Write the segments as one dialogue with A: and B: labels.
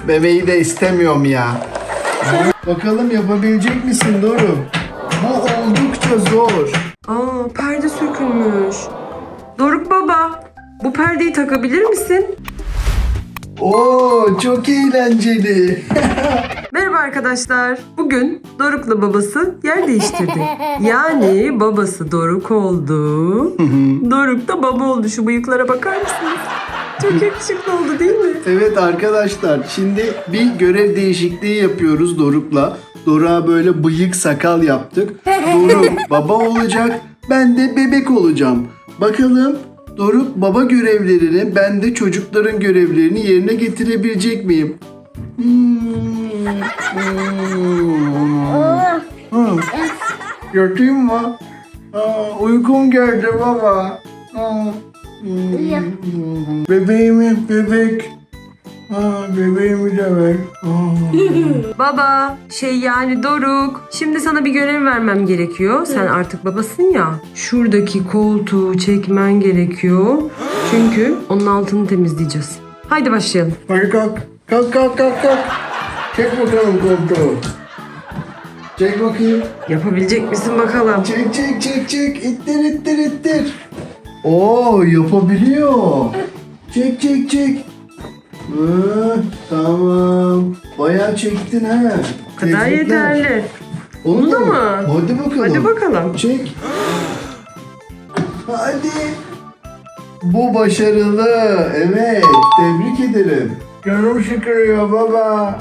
A: Bebeği de istemiyorum ya. Bakalım yapabilecek misin Doruk? Bu oldukça zor.
B: Aa, perde sökülmüş. Doruk baba, bu perdeyi takabilir misin?
A: Oo, çok eğlenceli.
B: Merhaba arkadaşlar. Bugün Doruk'la babası yer değiştirdi. Yani babası Doruk oldu. Doruk da baba oldu. Şu bıyıklara bakar mısınız? Çok yakışıklı oldu değil mi?
A: Evet arkadaşlar, şimdi bir görev değişikliği yapıyoruz Doruk'la. Doruk'a böyle bıyık sakal yaptık. Doruk baba olacak, ben de bebek olacağım. Bakalım Doruk baba görevlerini, ben de çocukların görevlerini yerine getirebilecek miyim? Yatayım mı? Uykum geldi baba. Bebek. Bebeğimi de ver.
B: Baba, yani Doruk. Şimdi sana bir görev vermem gerekiyor. Sen artık babasın ya. Şuradaki koltuğu çekmen gerekiyor. Çünkü onun altını temizleyeceğiz. Haydi başlayalım.
A: Hadi kalk. Kalk. Çek bakalım koltuğu. Çek bakayım.
B: Yapabilecek misin bakalım?
A: Çek. İttir. Oo, yapabiliyor. Çek. Tamam. Bayağı çektin ha.
B: Bu kadar yeterli.
A: Onu
B: da mı?
A: Hadi bakalım.
B: Hadi bakalım.
A: Çek. Hadi. Bu başarılı. Evet. Tebrik ederim. Canım sıkılıyor baba.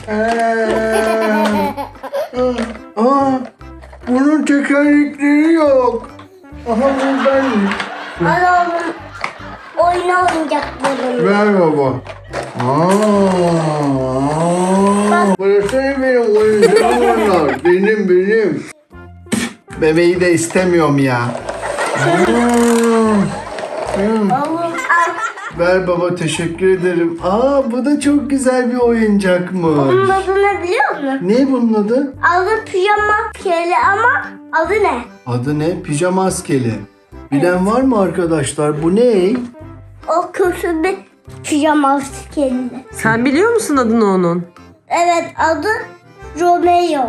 A: Bunun tekerlekleri yok. Aha buradaymış.
C: Al oğlum. Oyna oyuncaklarını.
A: Ver baba. Burası benim oyuncağım var. Benim. Bebeği de istemiyorum ya.
C: Oğlum al.
A: Ver baba, teşekkür ederim. Bu da çok güzel bir
C: Bunun
A: oyuncakmış.
C: adını biliyor musun?
A: Ne bunun adı?
C: Adı pijama keli ama adı ne?
A: Adı ne? Pijama askeri. Bilen var mı arkadaşlar? Bu ne?
C: O kötü bir pijama keli.
B: Sen biliyor musun adını onun?
C: Evet adı Romeo.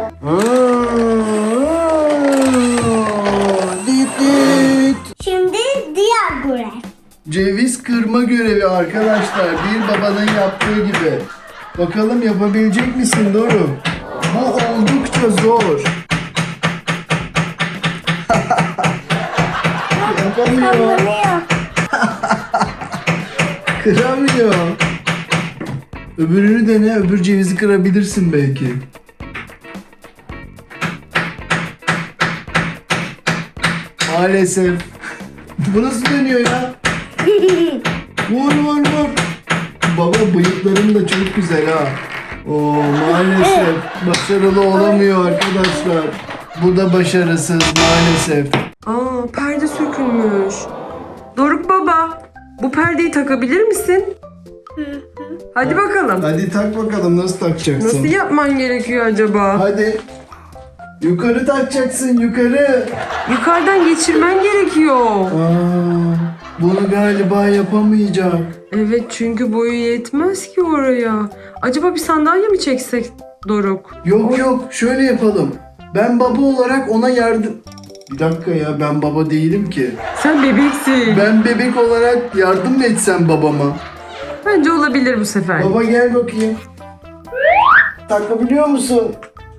A: Dit.
C: Şimdi diğer görev.
A: Ceviz kırma görevi arkadaşlar. Bir babanın yaptığı gibi. Bakalım yapabilecek misin Doruk? Bu oldukça zor. Yapamıyor.
C: Romeo.
A: Kıramıyor. Öbürünü dene. Öbür cevizi kırabilirsin belki. Maalesef. Bu nasıl dönüyor ya? Vur. Baba bıyıkların da çok güzel ha. Maalesef başarılı olamıyor arkadaşlar. Bu da başarısız maalesef.
B: Aa, perde sökülmüş. Doruk baba, bu perdeyi takabilir misin? Hadi bakalım.
A: Hadi tak bakalım, nasıl takacaksın?
B: Nasıl yapman gerekiyor acaba?
A: Hadi. Yukarı takacaksın, yukarı.
B: Yukarıdan geçirmen gerekiyor.
A: Bunu galiba yapamayacak.
B: Evet, çünkü boyu yetmez ki oraya. Acaba bir sandalye mi çeksek Doruk?
A: Yok, şöyle yapalım. Ben baba olarak ona yardım... Bir dakika ya, ben baba değilim ki.
B: Sen bebeksin.
A: Ben bebek olarak yardım mı etsem babama?
B: Bence olabilir bu sefer.
A: Baba gel bakayım. Takabiliyor musun?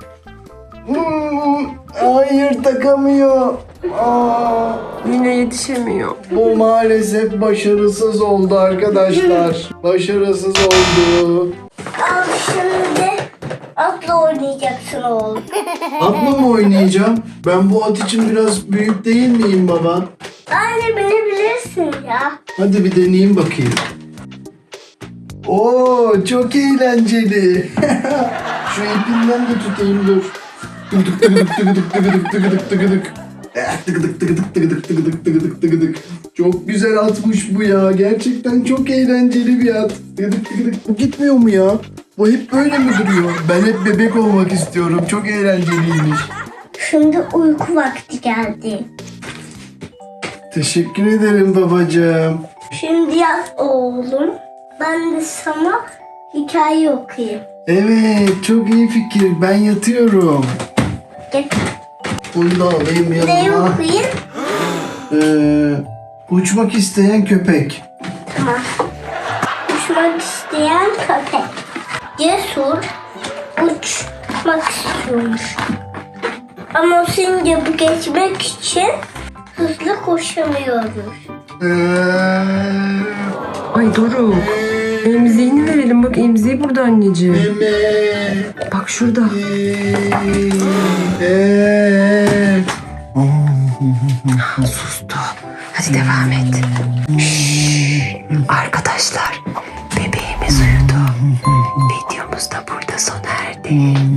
A: Hayır, takamıyor.
B: Yine yetişemiyor.
A: Bu maalesef başarısız oldu arkadaşlar. Başarısız oldu.
C: Al şimdi atla oynayacaksın oğlum.
A: Atla mı oynayacağım? Ben bu at için biraz büyük değil miyim baba?
C: Anne beni bilirsin ya.
A: Hadi bir deneyeyim bakayım. Oo, çok eğlenceli. Şu ipinden de tutayım, dur. Çok güzel atmış bu ya. Gerçekten çok eğlenceli bir at. Bu gitmiyor mu ya? Bu hep böyle mi duruyor? Ben hep bebek olmak istiyorum. Çok eğlenceliymiş.
C: Şimdi uyku vakti geldi.
A: Teşekkür ederim babacığım.
C: Şimdi yat oğlum. Ben de sana hikaye okuyayım.
A: Evet, çok iyi fikir. Ben yatıyorum.
C: Gel.
A: Bunu da alayım
C: Ne
A: yanıma.
C: okuyayım?
A: Uçmak isteyen köpek.
C: Tamam. Uçmak isteyen köpek. Cesur uçmak istiyormuş. Ama sincapı geçmek için hızlı koşamıyoruz.
B: Ay Doruk. Emziğini verelim. Bak emziği burada anneciğim.
A: Meme.
B: Bak şurada. Sustu. Hadi devam et. Şşş. Arkadaşlar bebeğimiz uyudu. Videomuz da burada sona erdi.